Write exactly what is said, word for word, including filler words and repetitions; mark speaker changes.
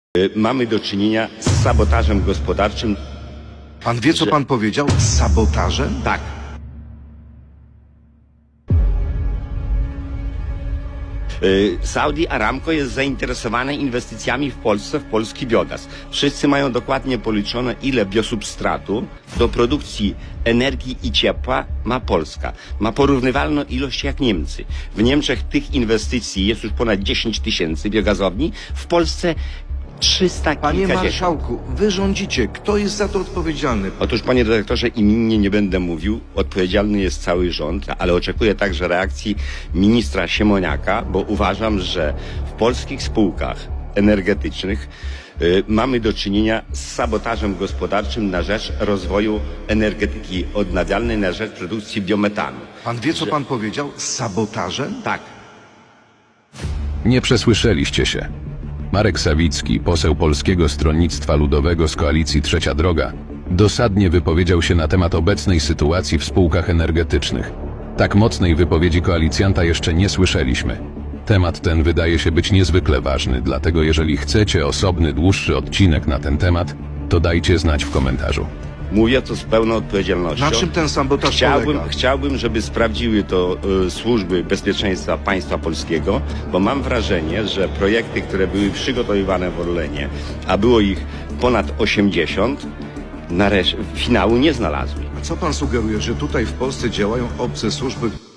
Speaker 1: Y, Mamy do czynienia z sabotażem gospodarczym.
Speaker 2: Pan wie, co
Speaker 1: że-
Speaker 2: pan powiedział? Z sabotażem?
Speaker 1: Tak. Y, Saudi Aramco jest zainteresowane inwestycjami w Polsce, w polski biogaz. Wszyscy mają dokładnie policzone, ile biosubstratu do produkcji energii i ciepła ma Polska. Ma porównywalną ilość jak Niemcy. W Niemczech tych inwestycji jest już ponad dziesięć tysięcy biogazowni, w Polsce trzysta
Speaker 2: Panie
Speaker 1: kilkadziesiąt.
Speaker 2: marszałku, wy rządzicie. Kto jest za to odpowiedzialny?
Speaker 1: Otóż, panie dyrektorze, imiennie nie będę mówił, odpowiedzialny jest cały rząd, ale oczekuję także reakcji ministra Siemoniaka, bo uważam, że w polskich spółkach energetycznych y, mamy do czynienia z sabotażem gospodarczym na rzecz rozwoju energetyki odnawialnej, na rzecz produkcji biometanu.
Speaker 2: Pan wie, co pan powiedział? Z sabotażem?
Speaker 1: Tak.
Speaker 3: Nie przesłyszeliście się. Marek Sawicki, poseł Polskiego Stronnictwa Ludowego z koalicji Trzecia Droga, dosadnie wypowiedział się na temat obecnej sytuacji w spółkach energetycznych. Tak mocnej wypowiedzi koalicjanta jeszcze nie słyszeliśmy. Temat ten wydaje się być niezwykle ważny, dlatego jeżeli chcecie osobny, dłuższy odcinek na ten temat, to dajcie znać w komentarzu.
Speaker 1: Mówię to z pełną odpowiedzialnością.
Speaker 2: Na czym ten sabotaż
Speaker 1: Chciałbym,
Speaker 2: polega?
Speaker 1: chciałbym, żeby sprawdziły to y, służby bezpieczeństwa państwa polskiego, bo mam wrażenie, że projekty, które były przygotowywane w Orlenie, a było ich ponad osiemdziesiąt, nareszcie finału nie znalazły.
Speaker 2: A co pan sugeruje, że tutaj w Polsce działają obce służby?